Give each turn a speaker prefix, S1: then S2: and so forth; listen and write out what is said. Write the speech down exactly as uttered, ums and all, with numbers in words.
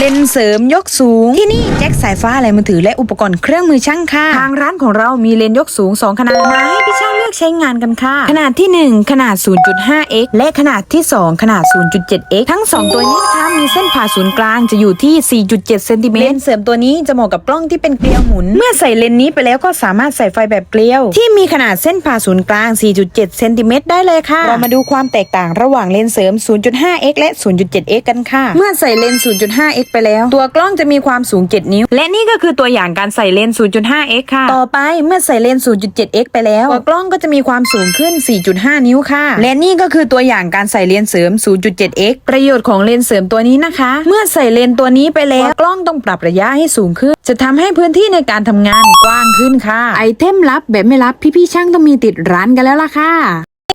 S1: เลนส์เสริมยกสูงที่นี่แจ็คสายฟ้าอะไรมือถือและอุปกรณ์เครื่องมือช่างค่ะทางร้านของเรามีเลนส์ยกสูงสองขนาดมาให้พี่ช่างเลือกใช้งานกันค่ะขนาดที่หนึ่งขนาด ศูนย์จุดห้าเอ็กซ์ และขนาดที่สองขนาด ศูนย์จุดเจ็ดเอ็กซ์ ทั้งสองตัวนี้นะคะมีเส้นผ่าศูนย์กลางจะอยู่ที่ สี่จุดเจ็ดเซนติเมตรเลนส์เสริมตัวนี้จะเหมาะกับกล้องที่เป็นเกลียวหมุนเมื่อใส่เลนส์นี้ไปแล้วก็สามารถใส่ไฟแบบเกลียวที่มีขนาดเส้นผ่าศูนย์กลาง สี่จุดเจ็ดเซนติเมตรได้เลยค่ะเรามาดูความแตกต่างระหว่างเลนส์เสริม ศูนย์จุดห้าเอ็กซ์ และ ศูนย์จุดเจ็ดเอ็กซ์ กันค่ะเมื่อใส่เลนส์ ศูนย์จุดห้าเอ็กซ์ ไปแล้วตัวกล้องจะมีความสูงเจ็ดนิ้วและนี่ก็คือตัวอย่างการใส่เลนส์ ศูนย์จุดห้าเอ็กซ์ ค่ะต่อไปเมื่อใส่เลนส์ ศูนย์จุดเจ็ดเอ็กซ์ ไปแล้วตัวกล้องก็จะมีความสูงขึ้น สี่จุดห้านิ้วค่ะและนี่ก็คือตัวอย่างการใส่เลนส์เสริม ศูนย์จุดเจ็ดเอ็กซ์ ประโยชน์ของเลนส์เสริมตัวนี้นะคะเมื่อใส่เลนส์ตัวนี้ไปแล้วกล้องต้องปรับระยะให้สูงขึ้นจะทำให้พื้นที่ในการทำงานกว้างขึ้นค่ะไอเทมลับแบบไม่ลับพี่ๆช่างต้องมีติดร้านกันแล้วล่ะค่ะ